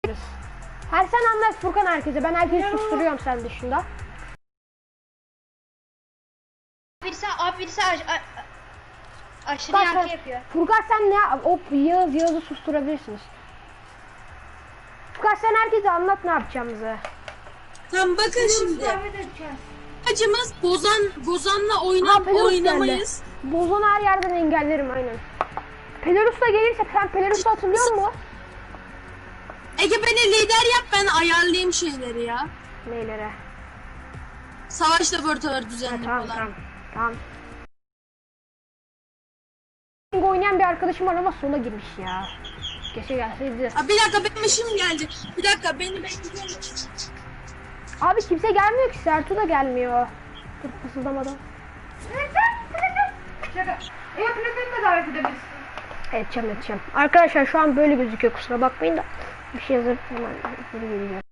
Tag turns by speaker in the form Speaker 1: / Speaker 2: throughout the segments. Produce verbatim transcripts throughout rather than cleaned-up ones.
Speaker 1: Her sen anlat Furkan herkese. Ben herkesi susturuyorum sen dışında.
Speaker 2: Birisi abi birisi aş, a, aşırı
Speaker 1: Furkan,
Speaker 2: yankı
Speaker 1: sen,
Speaker 2: yapıyor.
Speaker 1: Furkan sen ne yap? Hop Yağız Yağız'ı susturabilirsiniz. Furkan sen herkese anlat ne yapacağımızı.
Speaker 3: Tamam bakın şimdi. Amacımız Bozan Bozan'la oyna,
Speaker 1: Ha, Pelerus
Speaker 3: oynamayız.
Speaker 1: geldi. Bozan'ı her yerden engellerim aynen. Pelerus da gelirse sen Pelerus'u hatırlıyor musun?
Speaker 3: Ege beni lider yap, ben ayarlayayım şeyleri ya.
Speaker 1: Neylere?
Speaker 3: Savaş laboratuvarı
Speaker 1: Ha,
Speaker 3: düzenli
Speaker 1: tamam
Speaker 3: falan.
Speaker 1: tamam. Tamam. Oynayan bir arkadaşım var ama sola girmiş ya. Keşke gelseydi.
Speaker 3: Aa, bir dakika benim işim gelecek. Bir dakika beni bekleyin.
Speaker 1: Abi kimse gelmiyor ki. Sertu da gelmiyor. Dur fısıldamadan.
Speaker 2: Evet Platin'i de davet edebilirsin.
Speaker 1: Edeceğim edeceğim. Arkadaşlar şu an böyle gözüküyor, kusura bakmayın da. Bir şey yazıp hemen geri geliyorum.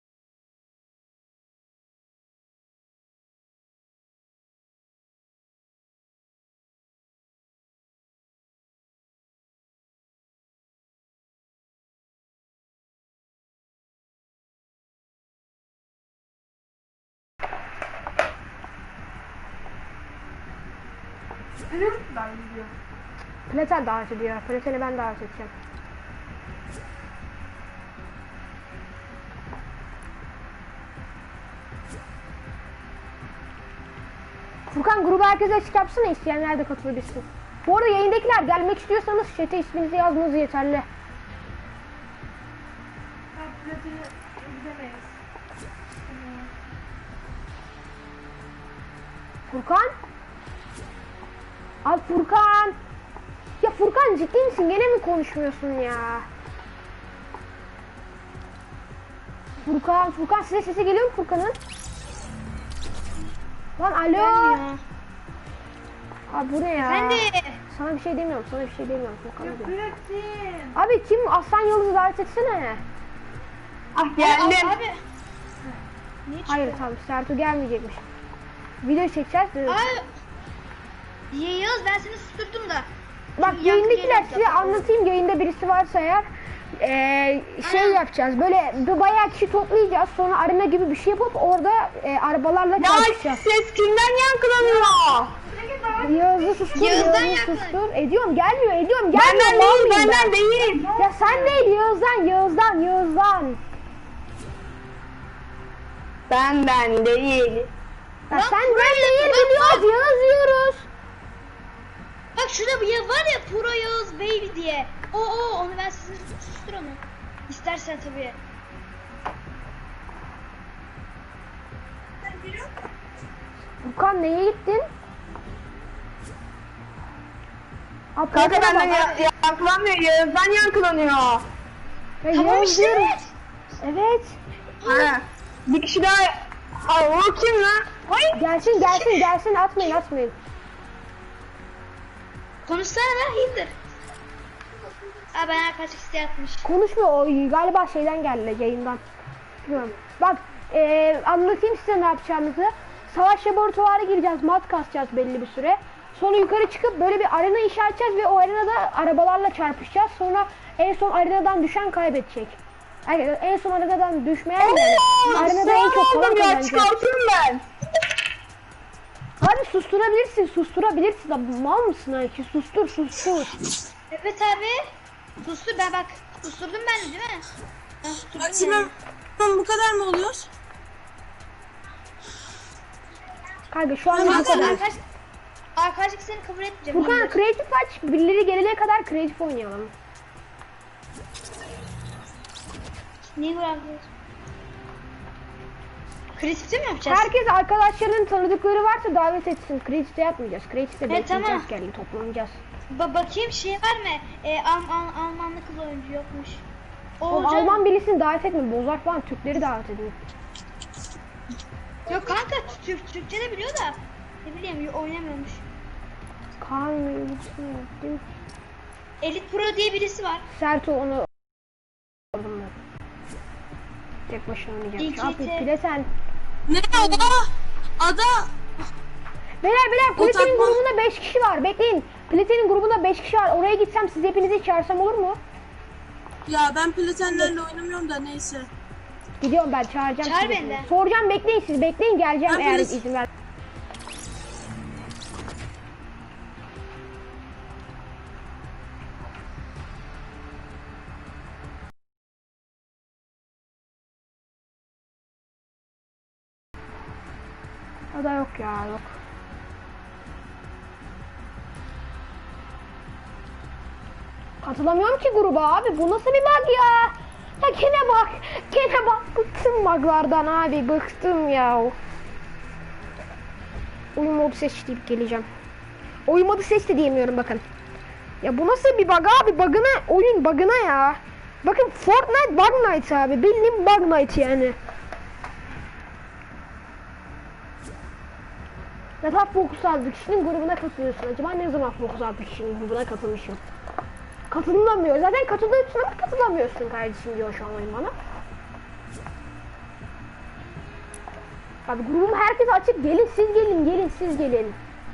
Speaker 2: Ben gidiyorum.
Speaker 1: Platen davet ediyor. Platen'i ben davet edeceğim. Furkan grubu herkese açık yapsana, isteyenler de katılabilsin. Bu arada yayındakiler gelmek istiyorsanız chat'e isminizi yazmanız yeterli.
Speaker 2: Ben Platin'i gidemeyiz.
Speaker 1: Furkan? Abi Furkan! Ya Furkan ciddi misin? Gene mi konuşmuyorsun ya? Furkan, Furkan size sesi geliyor mu Furkan'ın? Lan alo!
Speaker 2: Gelmiyor.
Speaker 1: Abi bu ne ya?
Speaker 2: Ben de.
Speaker 1: Sana bir şey demiyorum, sana bir şey demiyorum Furkan'a diyorum.
Speaker 2: Platin.
Speaker 1: Abi kim? Aslan Yıldız'ı davet etsene.
Speaker 2: Ah geldim. Abi. Niye
Speaker 1: Hayır tamam, Sertu gelmeyecekmiş. Video çekeceğiz. de-
Speaker 2: Abi. Yağız ben seni susturdum da.
Speaker 1: Bak
Speaker 2: Yankı
Speaker 1: yayındakiler
Speaker 2: geliyor
Speaker 1: size
Speaker 2: zaten.
Speaker 1: anlatayım, yayında birisi varsa eğer. Ee, şey
Speaker 2: Aynen.
Speaker 1: yapacağız, böyle bir bayağı kişi toplayacağız, sonra arena gibi bir şey yapıp orada e, arabalarla çarpışacağız.
Speaker 3: Ses kimden yankılanıyor?
Speaker 1: Yağız'ı sustur,
Speaker 2: Yağız'dan
Speaker 1: Yağız'ı
Speaker 2: yakın.
Speaker 1: sustur. Ediyorum, gelmiyor, ediyorum, gelmiyor.
Speaker 3: Benden
Speaker 1: mal
Speaker 3: değil,
Speaker 1: mıyım
Speaker 3: benden
Speaker 1: ben?
Speaker 3: değil.
Speaker 1: Ya sen değil, Yağız'dan, Yağız'dan, Yağız'dan.
Speaker 3: Benden değil.
Speaker 1: Ya
Speaker 2: Lan
Speaker 1: sen
Speaker 2: buraya
Speaker 1: ben değil
Speaker 2: yakın, bak,
Speaker 1: biliyoruz, Yağız diyoruz.
Speaker 2: Bak şurada bir yer var ya Pro Yağız Baby diye. O o onu ben size sustur onu. İstersen tabii.
Speaker 1: Furkan neye gittin? Abi,
Speaker 3: Kanka
Speaker 1: Furkan'a
Speaker 3: benden
Speaker 1: bak.
Speaker 3: ya yankılanmıyor, Yağız'dan yankılanıyor.
Speaker 1: Ya
Speaker 2: Tamam
Speaker 1: Yağız
Speaker 2: işte.
Speaker 1: diyorum. Evet.
Speaker 3: Ha. Bir kişi daha. Aa, o kim lan? Ay.
Speaker 1: Gelsin gelsin gelsin, atmayın atmayın.
Speaker 2: Konuşsana lan Hildur. Aa ben arkadaşlık isteği atmış.
Speaker 1: Konuşmuyor o, galiba şeyden geldi, yayından. Bilmiyorum. Bak eee, anlatayım size ne yapacağımızı. Savaş laboratuvarı gireceğiz, mat kasacağız belli bir süre. Sonra yukarı çıkıp böyle bir arena inşa edeceğiz ve o arenada arabalarla çarpışacağız. Sonra en son arenadan düşen kaybedecek. Yani en son arenadan düşmeyen yani. Arenada en çok kalan
Speaker 3: ya,
Speaker 1: kazanacak.
Speaker 3: çıkartırım ben.
Speaker 1: Abi susturabilirsin, susturabilirsin. Abi, mal mısın Ayki? Sustur, sustur.
Speaker 2: Evet abi. Sustur ben bak. Susturdum ben de değil mi? Ben susturdum
Speaker 3: Açımım
Speaker 2: yani.
Speaker 3: bu kadar mı oluyor?
Speaker 1: Kanka şu an bu
Speaker 2: Kanka
Speaker 1: kadar.
Speaker 2: arkadaş, arkadaşlık seni kabul etmeyeceğim.
Speaker 1: Furkan
Speaker 2: Hildur.
Speaker 1: kreatif aç, birileri gelene kadar kreatif oynayalım.
Speaker 2: Niye böyle yapıyorsun? Kreatifte mi yapacağız?
Speaker 1: Herkes arkadaşlarının tanıdıkları varsa davet etsin. Kreatifte yapmayacağız. Kreatifte
Speaker 2: Evet,
Speaker 1: bekleyeceğiz,
Speaker 2: tamam.
Speaker 1: gelin toplanacağız.
Speaker 2: Ba bakayım şey var mı? Ee, Al Al Almanlı kız oyuncu yokmuş. O
Speaker 1: O
Speaker 2: olacak.
Speaker 1: Alman birisini davet etme. Bozar falan, Türkleri davet edin.
Speaker 2: Yok kanka Türk Türkçe de biliyor da. Ne bileyim oynamıyormuş.
Speaker 1: Kaan mı? Değil mi?
Speaker 2: Elite Pro diye birisi var.
Speaker 1: Sertu onu aldım ben. Tek başına oynayacağım.
Speaker 2: İki
Speaker 1: Abi
Speaker 2: te-
Speaker 1: pile sen.
Speaker 3: Ne ada? Ada.
Speaker 1: Beyler beyler
Speaker 3: O
Speaker 1: Platin'in
Speaker 3: takma-
Speaker 1: grubunda beş kişi var. Bekleyin. Platin'in grubunda beş kişi var. Oraya gitsem siz hepinizi çağırsam olur mu?
Speaker 3: Ya ben platenlerle oynamıyorum da neyse.
Speaker 1: Gidiyorum ben çağıracağım
Speaker 2: Çağır
Speaker 1: sizi.
Speaker 2: beni de.
Speaker 1: Soracağım bekleyin siz bekleyin geleceğim
Speaker 3: Ben
Speaker 1: eğer
Speaker 3: polis-
Speaker 1: izin ver. O da yok ya yok. Katılamıyorum ki gruba abi. Bu nasıl bir bug ya? Ya gene bak. Gene bak. Bıktım buglardan abi. Bıktım ya. Oyun modu seç deyip geleceğim. Oyun modu seç de diyemiyorum bakın. Ya bu nasıl bir bug abi? Bug'ına oyun bug'ına ya. Bakın Fortnite Bug Night abi. Bildiğin Bug Night yani. Ne zaman Fokus altı kişinin grubuna katılıyorsun? Acaba ne zaman Fokus altı kişinin grubuna katılmışım? Katılamıyor. Zaten katılıyorsun ama katılamıyorsun kardeşim diyor şu an oyun bana. Abi grubum herkes açık. Gelin siz gelin. Gelin siz gelin.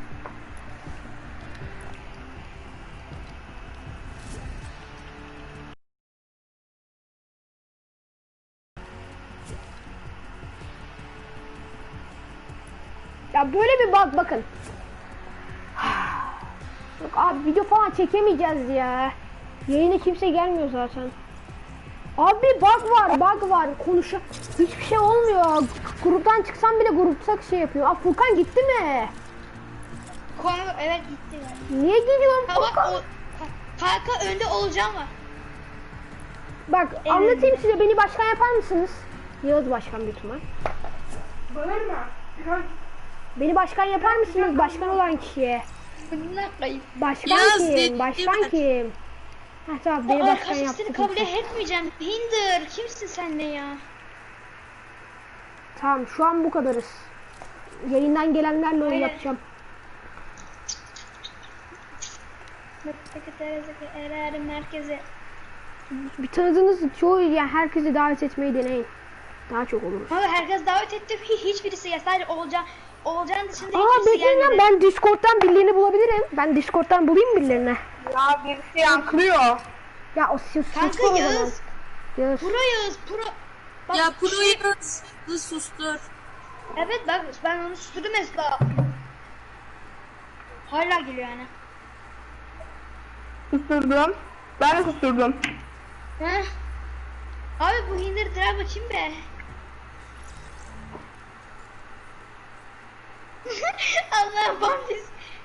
Speaker 1: Ya böyle bir bak bakın. Yok abi video falan çekemeyeceğiz ya. Yayına kimse gelmiyor zaten. Abi bug var, bug var. Konuşa hiçbir şey olmuyor. Gruptan çıksam bile grupta şey yapıyor. Aa Furkan gitti mi?
Speaker 2: Konu evet gitti.
Speaker 1: Niye gidiyorsun
Speaker 2: Ha bak
Speaker 1: Furkan?
Speaker 2: o kanka önde olacağım var.
Speaker 1: Bak anlatayım size, beni başkan yapar mısınız? Yağız başkan büyük ihtimal.
Speaker 4: Bağırma. Biraz
Speaker 1: Beni başkan yapar mısınız başkan olan kişiye?
Speaker 2: Ne yapayım?
Speaker 1: Başkan
Speaker 3: Yağız
Speaker 1: kim?
Speaker 3: dedi-
Speaker 1: Başkan kim? Ha tamam beni
Speaker 2: Aa,
Speaker 1: başkan
Speaker 2: arkadaşlar
Speaker 1: yaptı.
Speaker 2: seni kabul
Speaker 1: kimse.
Speaker 2: etmeyeceğim. Hinder kimsin sen ne ya?
Speaker 1: Tamam şu an bu kadarız. Yayından gelenlerle oyun
Speaker 2: Aynen.
Speaker 1: yapacağım.
Speaker 2: Sekreteriyete erer merkeze.
Speaker 1: Bir tanıdığınız çoğu yani herkesi davet etmeyi deneyin. Daha çok olur.
Speaker 2: Abi herkes davet etti. Hi- Hiçbirisi ya sadece Olcan. Olcan dışında
Speaker 1: Aa
Speaker 2: hiçbirisi
Speaker 1: bekleyin lan,
Speaker 2: gelmedi.
Speaker 1: ben Discord'dan birilerini bulabilirim. Ben Discord'dan bulayım birilerini.
Speaker 4: ya birisi yankılıyor.
Speaker 1: Ya o siz
Speaker 2: Kanka
Speaker 1: sustur o zaman.
Speaker 2: Yağız.
Speaker 1: Yağız.
Speaker 2: Pro Yağız. Pro. Bak,
Speaker 3: Ya
Speaker 2: şey-
Speaker 3: Pro'yu hızlı sustur.
Speaker 2: Evet bak ben onu susturdum mesela. Hala geliyor yani.
Speaker 4: Susturdum. Ben de susturdum.
Speaker 2: Heh. Abi bu Hinder drive açayım be. Allah'ım bambiz.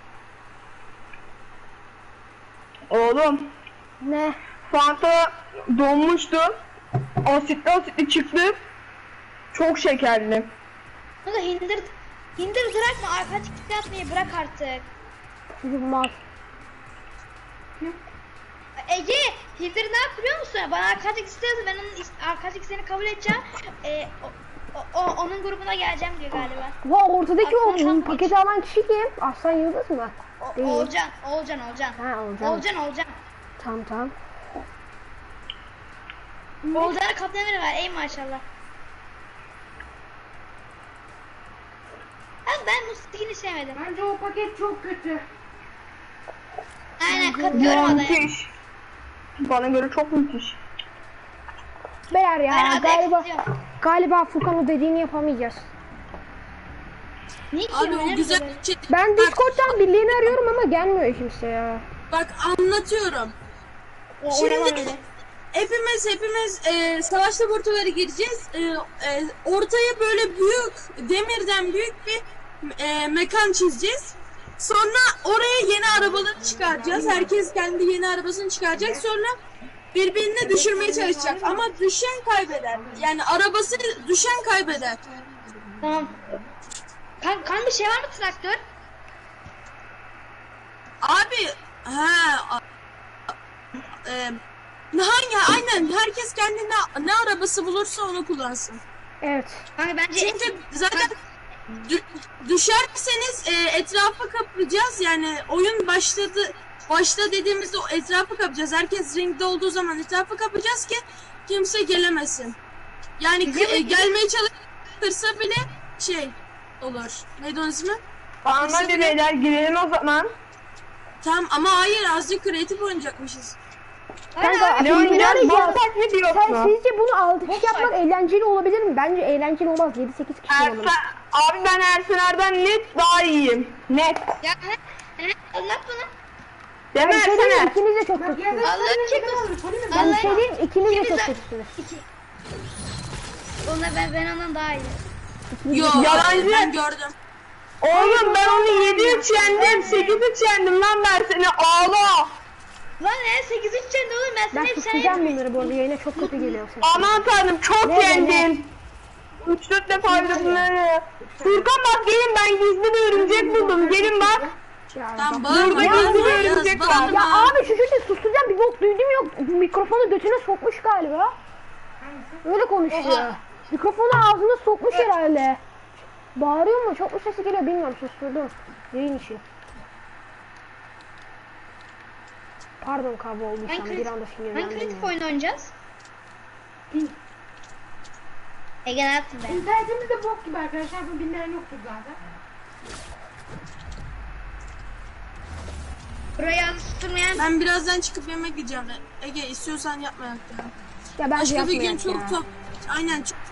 Speaker 4: Oğlum.
Speaker 1: Ne?
Speaker 4: Fanta donmuştu. Asitli asitli çıktı. Çok şekerli.
Speaker 2: Bu da Hinder Hinder bırakma arka çıkıp atmayı bırak artık.
Speaker 1: Çocuk mal.
Speaker 2: Ege Hinder ne yap biliyor musun? Bana arkadaşlık istiyorsa ben onun is- arkadaşlık isteğini kabul edeceğim. Ee, o, o, o- onun grubuna geleceğim diyor galiba.
Speaker 1: Va ortadaki o
Speaker 2: Aslan
Speaker 1: paketi alan kişi kim? Aslan Yıldız mı?
Speaker 2: O,
Speaker 1: Değil.
Speaker 2: Olcan, Olcan, Olcan.
Speaker 1: Ha Olcan.
Speaker 2: Olcan, Olcan.
Speaker 1: Tamam tamam.
Speaker 2: Olcan'a kaptanları var ey maşallah. Abi ben Mustafi'ni sevmedim.
Speaker 4: Bence o paket çok kötü.
Speaker 2: Aynen katılıyorum adaya.
Speaker 4: Müthiş. Bana göre çok müthiş.
Speaker 1: Beyler ya
Speaker 2: Ben adaya
Speaker 1: galiba
Speaker 2: katılıyorum.
Speaker 1: galiba Furkan o dediğini yapamayacağız.
Speaker 2: Niye ki
Speaker 3: Abi o
Speaker 2: oynarız
Speaker 3: güzel
Speaker 2: böyle?
Speaker 3: bir şey.
Speaker 1: Ben
Speaker 3: Bak,
Speaker 1: Discord'dan birilerini arıyorum ama gelmiyor kimse ya.
Speaker 3: Bak anlatıyorum.
Speaker 2: O
Speaker 3: Şimdi
Speaker 2: oynamam öyle.
Speaker 3: hepimiz hepimiz e, savaş laboratuvarı gireceğiz. E, e, ortaya böyle büyük demirden büyük bir e, mekan çizeceğiz. Sonra oraya yeni arabaları çıkaracağız. Herkes kendi yeni arabasını çıkaracak. Sonra birbirini düşürmeye çalışacak. Ama düşen kaybeder. Yani arabası düşen kaybeder.
Speaker 2: Tamam. Kan, kan bir şey var mı traktör?
Speaker 3: Abi ha a- e, hangi aynen herkes kendine ne arabası bulursa onu kullansın.
Speaker 1: Evet.
Speaker 2: Kanka bence
Speaker 3: Çünkü zaten dü- düşerseniz e, etrafı kaplayacağız. Yani oyun başladı başla dediğimizde o etrafı kapacağız. Herkes ringde olduğu zaman etrafı kapacağız ki kimse gelemesin. Yani k- e, gelmeye çalışırsa bile şey olur. Neydi onun ismi?
Speaker 4: Tamam hadi beyler girelim o zaman.
Speaker 3: Tamam ama hayır azıcık kreatif oynayacakmışız.
Speaker 1: Kanka,
Speaker 2: Aynen,
Speaker 4: Ne
Speaker 1: Şimdi
Speaker 4: oynayacağız?
Speaker 1: oynayacağız.
Speaker 4: Boss fight mi
Speaker 1: Sen
Speaker 4: diyorsun?
Speaker 1: sizce bunu altı kişi
Speaker 2: Boss
Speaker 1: yapmak
Speaker 2: fight.
Speaker 1: eğlenceli olabilir mi? Bence eğlenceli olmaz. yedi sekiz kişi
Speaker 4: Ersen,
Speaker 1: olalım.
Speaker 4: abi ben Ersener'den net daha iyiyim. Net.
Speaker 2: Ya he, he, anlat bana.
Speaker 4: Değil mi
Speaker 1: Ben bir şey diyeyim mi?
Speaker 4: Ersener?
Speaker 1: İkiniz de çok kötüsünüz.
Speaker 2: Allah'ın çekmesin.
Speaker 1: Ben bir şey diyeyim, ikiniz de
Speaker 2: İkiniz
Speaker 1: çok
Speaker 2: de-
Speaker 1: kötüsünüz.
Speaker 2: İki. Ona ben ben ondan daha iyi.
Speaker 3: Yo
Speaker 4: Yalancı.
Speaker 3: ben gördüm.
Speaker 4: Oğlum ben onu yedi üç yendim, sekiz üç yendim lan ben seni ağla.
Speaker 2: Lan ne sekiz üç yendi oğlum ben
Speaker 1: Ben
Speaker 2: sana hep
Speaker 1: susacağım bunları bu arada. Yayına çok kötü geliyor ses.
Speaker 4: Aman tanrım çok
Speaker 1: Ne, ne,
Speaker 4: yendim. üç dört defa öldüm bunları. Furkan bak gelin ben gizli bir örümcek buldum. Gelin bak.
Speaker 1: Ya,
Speaker 3: Tamam
Speaker 1: bak-
Speaker 3: bağırma
Speaker 4: Ya,
Speaker 3: bağırma
Speaker 4: bir
Speaker 3: Yağız,
Speaker 4: örümcek var.
Speaker 3: bağırma.
Speaker 1: Ya abi şu çocuğu susturacağım bir bok duydum yok. Mikrofonu götüne sokmuş galiba. Öyle konuşuyor.
Speaker 2: Oha.
Speaker 1: Mikrofonu ağzına sokmuş herhalde. Bağırıyor mu? Çok mu sesi geliyor bilmiyorum, susturdum. Yayın için. Pardon kavga olduysam
Speaker 2: Hangi
Speaker 1: bir anda
Speaker 2: kritik, hangi
Speaker 1: sinirlendim
Speaker 2: kritik
Speaker 1: ya.
Speaker 2: oyun oynayacağız? Ege ne yaptın be?
Speaker 5: İnternetimiz de bok gibi arkadaşlar. Bu bilmeyen yoktur zaten.
Speaker 2: Burayı adı tutturmayan
Speaker 3: Ben birazdan çıkıp yemek yiyeceğim. Ege istiyorsan yapma ya.
Speaker 1: Ya bence
Speaker 3: Başka bir gün
Speaker 1: yapmayak
Speaker 3: çok
Speaker 1: ya.
Speaker 3: top. Aynen çok